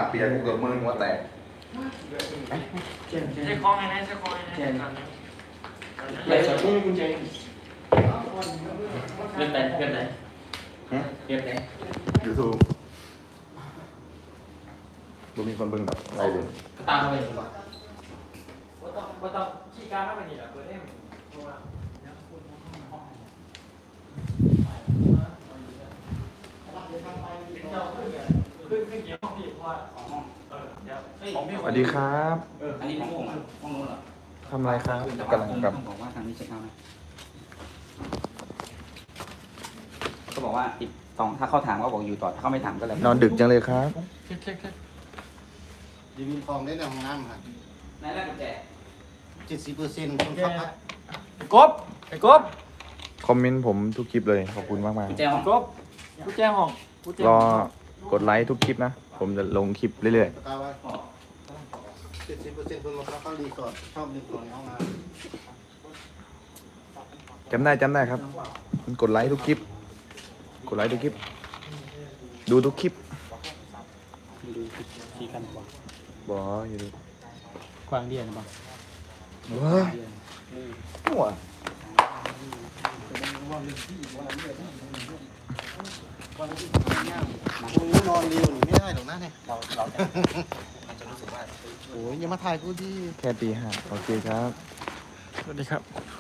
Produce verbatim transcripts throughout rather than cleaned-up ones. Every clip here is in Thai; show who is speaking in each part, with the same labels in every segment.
Speaker 1: เปียกกูเกือบมือหัวแตก
Speaker 2: ใช้คล้องไงนะใช้คล้องไงนะ
Speaker 3: ไหลสองกุญแจเล่นไหนเล่นไหนเล่นไหน
Speaker 1: ยูทูบดูมีคนเบิ่งแบบไรเลย
Speaker 3: ตามไปดีกว่า
Speaker 2: ว่าต้องว่าต้องขี้การเข้าไปนี่แหละเปิดเอ็ม
Speaker 1: สวัสดีครับ
Speaker 3: อันนี้ห้องผมห้องนู้นเหรอ
Speaker 1: ทำไรครับกำลังกับ
Speaker 3: บอกว่าทางนี้เช็คเอาไหมก็บอกว่าอีกสองถ้าเขาถามก็บอกอยู่ต่อถ้าเขาไม่ถามก็เลย
Speaker 1: นอนดึกจังเลยครับ
Speaker 2: เช็คเช็คเช็ค
Speaker 4: ดีมีทองได้ในห้องน้ำครับ
Speaker 3: นายแรกกุญแจ
Speaker 4: เจ็ดสิบเปอร์เซ็นต์คนขับพัด
Speaker 2: ไอ้กบไอ้กบ
Speaker 1: คอมเมนต์ผมทุกคลิปเลยขอบคุณมากมาก
Speaker 3: กุญแจห้อง
Speaker 2: กบกูแจ้งห้องกูแจ้ง
Speaker 1: รอกดไลค์ทุกคลิปนะผมจะลงคลิปเรื่อย
Speaker 4: ตาไว้เจ็ดสิบเปอร์เซ็นต์คนมาพักเขารีสอร์ทชอบรีสอร์ทในห้องน้
Speaker 1: ๆจำได้จำได้ครับกดไลค์ทุกคลิปกดไลค์ทุกคลิปดูทุกคลิป
Speaker 3: ดูสี่กันกว่า
Speaker 1: บออยู่ดู
Speaker 3: กว้างเดียนบ้าง
Speaker 1: ว้าหัว
Speaker 4: ำโอ้นอนเร็วนี่ไม่ได้หรอกนะเนี่ย
Speaker 3: เราเราจะมันจะรู้สึกว่า
Speaker 4: โอ้ยอย่ามาถ่ายกูดิ
Speaker 1: แค่ตีห้าโอเคครับ
Speaker 2: สวัสดีครับ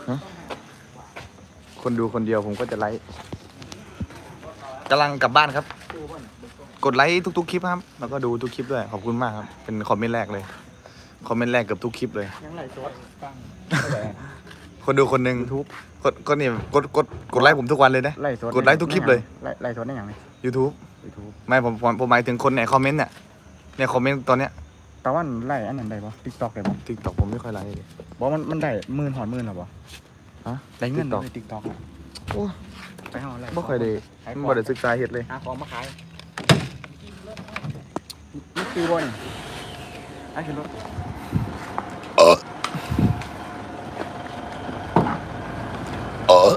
Speaker 1: คนดูคนเดียวผมก็จะไลค์กำลังกลับบ้านครับ กดไลค์ทุกๆคลิปครับแล้วก็ดูทุกคลิปด้วยขอบคุณมากครับเป็นคอมเมนต์แรกเลยคอมเมนต์แรกเกือบทุกคลิปเลย
Speaker 2: ยังไหลโซดฟัง
Speaker 1: คนดูคนหนึ่งทุบกดก็นี่กดกดกดไลค์ผมทุกวันเลยนะ
Speaker 4: ไล่สด
Speaker 1: กดไลค์ทุกคลิปเลย
Speaker 4: ไล่ไล่สดได้ยังไง
Speaker 1: YouTube
Speaker 4: ยูทูบ
Speaker 1: ไม่ผมผมผมหมายถึงคนในคอมเมนต์เนี่ยเนี่ยคอมเมนต์ตอนเนี้ย
Speaker 4: ตะวันไล่อันนั้นได้ปะติ๊กต็อกได้ปะ
Speaker 1: ติ๊กต็อกผมไม่ค่อยไลค์เลย
Speaker 4: บอกมันมันได้หมื่นหอดหมื่นหรอปะ
Speaker 1: ฮะ
Speaker 4: ได้เงิน
Speaker 1: TikTok
Speaker 4: ในติ๊กต็อก
Speaker 1: โอ้
Speaker 4: ไปห้องไล่
Speaker 1: ไม่ค่อยได้ไม่ค่อยได้ศึกษาเห็ดเลย
Speaker 4: หาของมาขายนี่คือบอลไอ้คือรถ
Speaker 1: เออเออ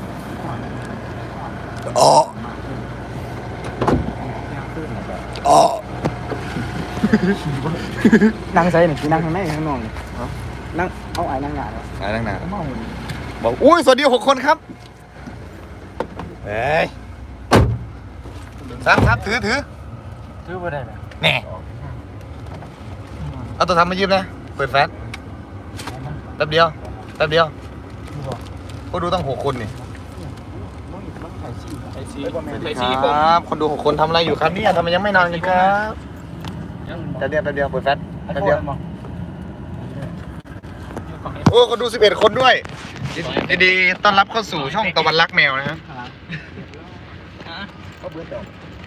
Speaker 1: อ๋ออ๋อ
Speaker 4: นั่งใส่หนึ่งนั่งข้างในข้างนอกเลยนั่งเอาไอ้นั่งหนาเลย
Speaker 1: ไหนนั่งหนา
Speaker 4: เมาหมด
Speaker 1: บอกอุ้ยสวัสดีหกคนครับเฮ้ยซับซับถือถือ
Speaker 2: ถือว่าได้ไหม
Speaker 1: แน่เอาตัวทำมายืมนะเปิดแฟลชแป๊บเดียวแป๊บเดียวก็ดูตั้งหกคนนี่
Speaker 3: ใช้ซี
Speaker 1: สวัสดีครับคนดูหกคนทำอะไรอยู่ครับเนี่ยทำไมยังไม่นอนกันครับแป๊บเดียวแป๊บเดียวเปิดแฟลชแป๊บเดียวโอ้คนดูสิบเอ็ดคนด้วยยินดีต้อนรับเข้าสู่ช่องตะวันรักแมวนะครับ
Speaker 4: ก็เบื่อดอก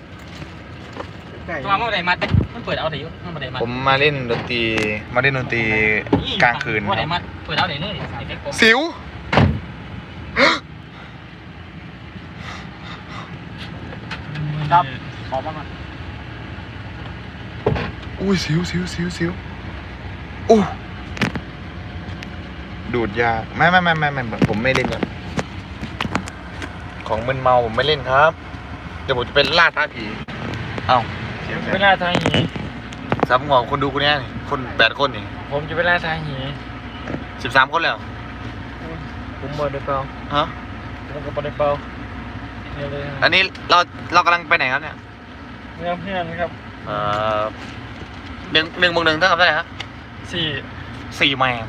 Speaker 3: ตัวมันอะไรมัดมันเปิดเอาไหนยุ่มันอะไรมัด
Speaker 1: ผมมาเล่นดนตรีมาเล่นดนตรีกลางคืน
Speaker 3: ว่าไหนมัดเปิดเอาไหนเลย
Speaker 1: สิว
Speaker 3: ครับขอบ้างมัน
Speaker 1: อุ้ยสิวสิวสิวสิวอู้ดูดยาไม่ไม่ไม่ไม่ไม่ผมไม่เล่นครับของมึนเมาผมไม่เล่นครับเดี๋ยวผมจะเป็นล่าท้าผีเอ้าเสียง
Speaker 2: เวลาทางหี
Speaker 1: ซับงอกคนดูคนนี้นี่คนแปดคนนี่
Speaker 2: ผมจะเวลาทางหี
Speaker 1: สิบสามคนแล้ว
Speaker 2: ผมบอได้เปล่า
Speaker 1: ฮะ
Speaker 2: ผมก็บอได้เปล่าเนี่ยเลย
Speaker 1: อันนี้เราเรากำลังไปไหนครับเนี่ย
Speaker 2: เพื่อนเพื่อนครับ
Speaker 1: เอ่อหนึ่งหนึ่งบวกหนึ่งเท่ากับเท่าไหร่ฮะ
Speaker 2: สี่
Speaker 1: สี่แมง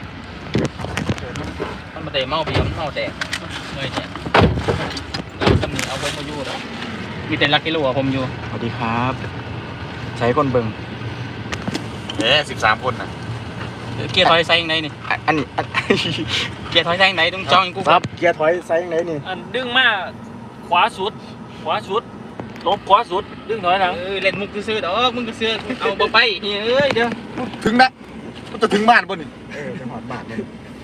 Speaker 3: มันมาเตะเมาปีมันเมาแตกเลยเนี่ยตำหนิเอาไว้เขาอยู่แล้วมีแต่ลักกิโลอะผมอยู่
Speaker 4: สวัสดีครับใช้คนเบิ่ง
Speaker 1: เอ๊ะสิบสามคนนะ
Speaker 3: เกียร์ถอยไซยังไงนี่
Speaker 4: อันนี้
Speaker 3: เกียร์ถอยไซยังไงต้องจองกู
Speaker 4: ครับเกียร์ถอยไซส์ไหนนี่
Speaker 2: อันดึงมาขวาสุด ขวาสุดลบขวาสุดดึงถอยหลัง
Speaker 3: เออเล่นมุกซื้อๆดอกมึงก็ซื้อเอาบ่ไปเฮ้ยเดี๋ยว
Speaker 1: ถึงนะมันจะถึงบ้านป่ะนี่
Speaker 4: เออจังหวัดบาทเลย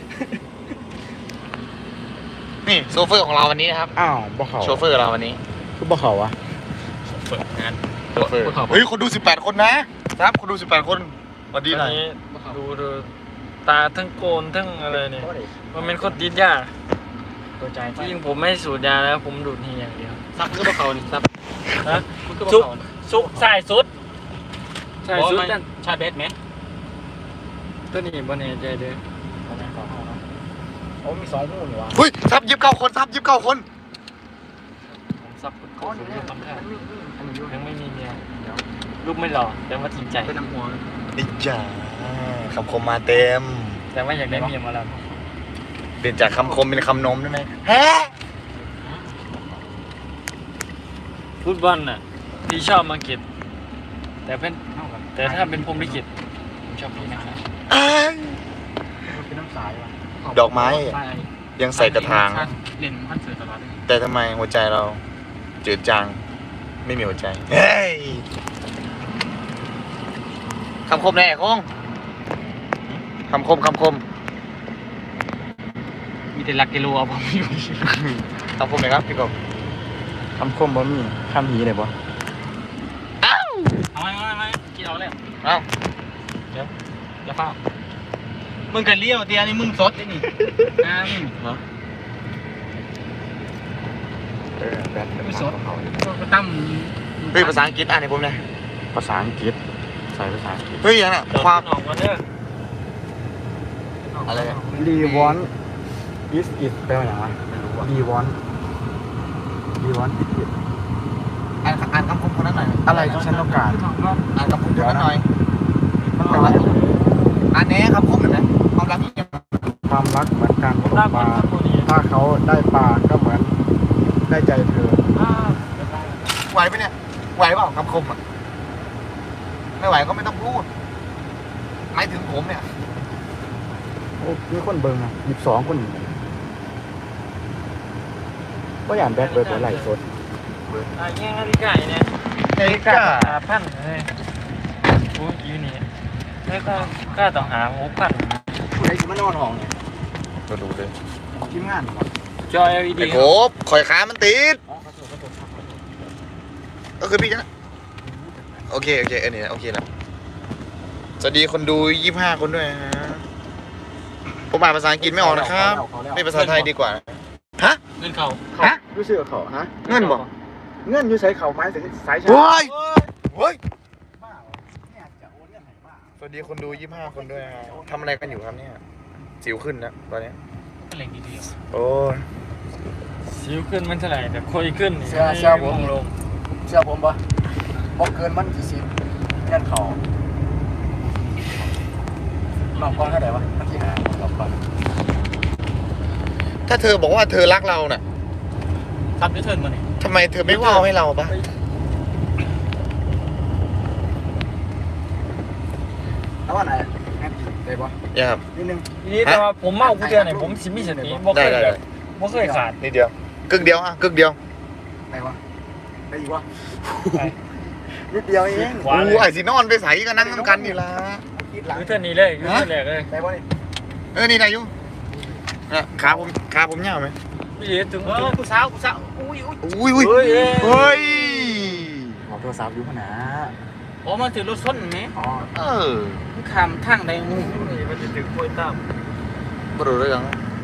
Speaker 1: นี่โซเฟอร์ของเราวันนี้นะครับ
Speaker 4: อ้าวบ่เขา
Speaker 1: โชเฟอร์เราวันนี้
Speaker 4: คือบ่เขาวะ
Speaker 3: เปิดงาน
Speaker 1: โชเฟอร์เฮ้ยคนดูสิบแปดคนนะครับคนดูสิบแปดคนสวัสดีหน่อย
Speaker 2: นี้ดูดูตาทั้งโกนทั้งอะไรเนี่ยมันเป็นคนติดยา
Speaker 4: ตัวใจ
Speaker 2: ที่จริงผมไม่สูดยาแล้วผมดูดนี่อย่างเดียว
Speaker 3: ซับมือบ่เขานี่ซับ
Speaker 2: ฮะ
Speaker 3: มือก็บ่
Speaker 2: ซุก
Speaker 3: เขา
Speaker 2: ซุกสายสุดใช่สุดนั่น
Speaker 3: ชาเบสไหม
Speaker 2: ตัวนี้บ่แน่ใจเด้อ
Speaker 3: ประมาณสองห้องเนาะโอ้มีสองหูนี่วะ
Speaker 1: เฮ้ยซับยิบเก้าคนซับยิบเก้าคน
Speaker 2: ผมซับคนโคตรอยู่คำแท้ยังไม่มีเมียเดี๋ยวลูกไม่หล่อแต่ว่าจริงใจ
Speaker 3: เป็นน้ำหัว
Speaker 1: นี่จ้าคำคมมาเต็ม
Speaker 2: แต่ว่าอยากได้เมียมาแล้ว
Speaker 1: เปลี่ยนจากคำคมเป็นคำนมได้ไหมฮะ
Speaker 2: ฟุตบอลน่ะพี่ชอบมาเก็ตแต่เป็น
Speaker 3: เท่ากัน
Speaker 2: แต่ถ้าเป็นพรหมลิขิตผมชอบพี่นะครับ
Speaker 1: อ้าย
Speaker 3: เป็นน้ำสายวะ
Speaker 1: ดอกไม้ยังใส่กระถาง
Speaker 3: เล่นคอนเสิร์ตตลอดเลย
Speaker 1: แต่ทำไมหัวใจเราจืดจางไม่มีหัวใจเฮ้ยคำคมแน่คงคำคมคำคม
Speaker 3: มีแต่ลักกิโลเอาผมอยู่
Speaker 1: คำคมไหนครับพี่กบ
Speaker 2: คำคมบ่มีคำหีเลยบ่
Speaker 1: อ้าว
Speaker 3: เอาไหมเอาไหมกินเอาแล้ว
Speaker 1: อ้าว
Speaker 3: อย่าเฝ้ามึงกันเลี้ยวเดียวนี่มึงสดไอ้นี่อ่ามึง
Speaker 1: เออแบท
Speaker 3: ไม่สดก็ตั้ม
Speaker 1: เฮ้ยภาษาอังกฤษอ่านให้ผมหน่อย
Speaker 2: ภาษาอังกฤษใส่ภาษาอังกฤษ
Speaker 1: เฮ้ยยังน่ะ
Speaker 2: คาว
Speaker 1: ความ ม
Speaker 2: ออกมาเด้อ
Speaker 1: อะไรอะ
Speaker 5: รีวอนอิสอิดแปลว่าอย่างไร
Speaker 1: ไม่รู้อ่ะ
Speaker 5: รีวอนรีวอนอิสอิด
Speaker 1: อ่านอ่านคำคมคนนั้นหน่อย
Speaker 5: อะไรที่ฉันต้องการ
Speaker 1: อ่านคำคมคนนั้นหน่อย
Speaker 5: มันแปลว่า
Speaker 1: อ่านแน่คำคมหน่อยนะความรักที่ยัง
Speaker 5: ความรักเหมือนการตก
Speaker 2: ลาก
Speaker 5: ป
Speaker 2: มั
Speaker 5: ลาน
Speaker 2: ตัวนี้
Speaker 5: ถ้าเขาได้ปลาก็เหมือนได้ใจเธอ
Speaker 1: ไหวไหมเนี่ยไหวเปล่าคำคมอ่ะไม่ไหวก็ไม่ต้องพูดหมายถึงผมเนี่ย
Speaker 5: โอ้มีคนเบิ่งอ่ะหยิบสองคนก็อย่างแบดเบิร์ดไหลฟ์สด
Speaker 2: อ่ะแย่งนาฬิกาเนี่ย
Speaker 1: เฮ้ยกา
Speaker 2: หาพันเลยโอ้ยอยู่นี่แล้วก็ก็ต้องหาหกพัน
Speaker 5: ผู้ใดจะมานอนห้องเนี่ย
Speaker 1: ก็ดูเลย
Speaker 5: ทีมงานบ่
Speaker 2: จอ แอล อี ดี
Speaker 1: ไอ้โคบข่อยขามันติด
Speaker 5: อ๋อขอโทษขอโทษครับขอโทษ
Speaker 1: ก็คือพี่นะโอเคโอเคเออนี่นะโอเคแล้วสวัสดีคนดูยี่สิบห้าคนด้วยนะผมอ่านภาษาอังกฤษไม่ออกนะครับ
Speaker 5: เขาแล้ว
Speaker 1: ไม่ภาษาไทยดีกว่าฮะ
Speaker 3: เงินเขา
Speaker 1: ฮะ
Speaker 5: รู้สึกเขาฮะ
Speaker 1: เงินบ่
Speaker 5: เงื่อนอยู่ใช้เขาไม้สายชา
Speaker 1: โว้ยโว้ย
Speaker 5: บ้าเหรอเนี่ยจะโอนเงื่อนไหนบ้า
Speaker 1: สวัสดีคนดูยี่สิบห้าคนด้วยนะทำอะไรกันอยู่ครับเนี่ยสิวขึ้นนะตอนนี้
Speaker 3: เป็นแหล่งดี
Speaker 1: โอ้ย
Speaker 2: สิวขึ้นมันเท่าไหร่แต่คุยขึ้นนี่
Speaker 5: เชื่อเชื่อผม
Speaker 2: ลง
Speaker 5: เชื่อผมปะบอกเกินมันกี่สิบเงื่อนเขาหลอกก้อนเท่าไหร่วะมันที่หาหลอกก้อน
Speaker 1: ถ้าเธอบอกว่าเธอรักเราน่ะ
Speaker 3: ๆซับด้วยเทิร์นมาเนี่ย
Speaker 1: ทำไมเธอไม่เล่าให้เราปะ
Speaker 5: แล้วว่าไหนแอนได้ปะ
Speaker 1: อย่าครับ
Speaker 5: นิดนึง
Speaker 2: ทีนี้แต่ว่าผมเมากูเดือนไหนผมสิมีสติบ่เค
Speaker 1: ได้
Speaker 2: ย
Speaker 1: ได้
Speaker 2: แบ
Speaker 1: ได้
Speaker 2: บบ่เคยขาด
Speaker 1: นิดเดียวกึ่งเดียวอ่ะกึ่งเดียว
Speaker 5: ได้ปะได้อีกวะนิดเดียวเอง
Speaker 2: ขวาเล
Speaker 1: อู้ไอ้
Speaker 2: ย
Speaker 1: สินอนไปใส่กันนั่งน้ำกันนี่ละ
Speaker 5: คิดหลัง
Speaker 2: คือเท่านี้เลยคือเท่าแรกเลย
Speaker 5: ได้ปะนี่
Speaker 1: เออนี่นายยุนะขาผมขาผมยาวไหม
Speaker 2: ไม่เห็นถึง
Speaker 3: เออกูสาวกูสาวอุ้ยอุ้ย
Speaker 1: อุ้ยอุ้ย
Speaker 2: เฮ้ย
Speaker 1: เฮ้ย
Speaker 5: ขอโทรศัพท์อยู่ขนาด
Speaker 3: โอ้มันถือรถส้นไหม
Speaker 5: อ๋อ
Speaker 1: เออ
Speaker 3: มึงขามทางใดงู
Speaker 2: นี่มันจะถึงกล้วยตาม
Speaker 1: บรู้เรื่อง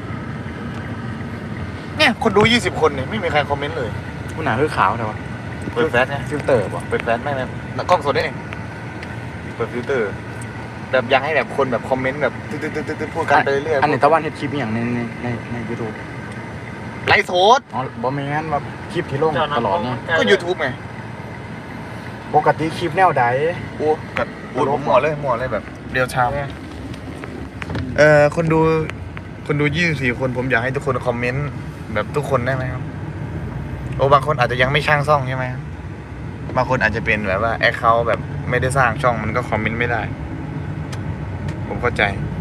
Speaker 1: เนี่ยคนดูยี่สิบคนเนี่ยไม่มีใครคอมเมนต์เลย
Speaker 5: คุณหนาคือขาวแต่ว่า
Speaker 1: เปิดแฟลชไง
Speaker 5: ฟิลเตอร์ปะ
Speaker 1: เปิดแฟลชไม่ไม่กล้องสดได้ไงเปิดฟิลเตอร์แบบอยากให้แบบคนแบบคอมเมนต์แบบตึ๊ดตึ๊ดตึ๊ดตึ๊ดพูดกันไปเรื่อยๆ
Speaker 5: อันนี้ตะวันเฮ็ดคลิปอหย่างในในในในยูทูบ
Speaker 1: ไลฟ์สด
Speaker 5: อ๋อบอแมนว่าคลิปที่ลงตลอดเนี่ย
Speaker 1: ก็ YouTube ไง
Speaker 5: ปกติคลิปแนวใด
Speaker 1: โอ้กับโอ้ผมหมอเลยหมอเลยแบบเดียวชามเอ่อคนดูคนดูยี่สิบสี่คนผมอยากให้ทุกคนคอมเมนต์แบบทุกคนได้ไหมครับโอ้บางคนอาจจะยังไม่ช่างช่องใช่ไหมบางคนอาจจะเป็นแบบว่าแอคเคาท์แบบไม่ได้สร้างช่องมันก็คอมเมนต์ไม่ได้ ผมเข้าใจ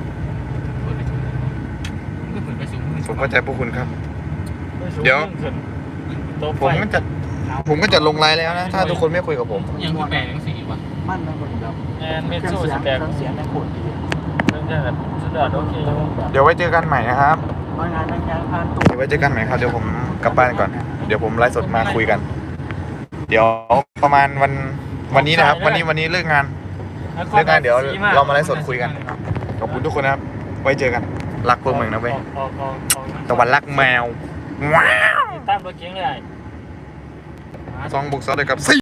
Speaker 3: ก็เหมือนไปสูง
Speaker 1: ผมเข้าใจพวกคุณครับ
Speaker 2: เดี๋ยว
Speaker 1: ผมก็จะผมก็จะลงไลน์แล้วนะถ้าทุกคนไม่คุยกับผม
Speaker 3: ยังคือแปลงสีวะ
Speaker 5: มั่นนะคนแบบ
Speaker 2: แอนเม
Speaker 5: เครื่
Speaker 2: โซ
Speaker 5: องเสีย
Speaker 2: ส
Speaker 5: ง
Speaker 2: แตก
Speaker 5: เครื่องเสียงในขวดดี
Speaker 2: มันจะแบบสุดยอดโอเค
Speaker 1: เดี๋ยวไว้เจอกันใหม่นะครับ
Speaker 5: บางงานบางงานผ่านตู้
Speaker 1: เดี๋ยวไว้เจอกันใหม่ครับเดี๋ยวผมกลับบ้านก่อน เดี๋ยวผมไลฟ์สดมาคุยกัน เดี๋ยวประมาณวันวันนี้นะครับ วันนี้วันนี้เลิกงาน เลิกงานเดี๋ยวเรามาไลฟ์สดคุยกัน ขอบคุณทุกคนนะครับ ไว้เจอกัน รักพวกมึงนะเว้ย ตะวันรักแมว ว้าว
Speaker 2: ตามรถเก๋งเลย
Speaker 1: ซองบุกซอสเลยกับสี่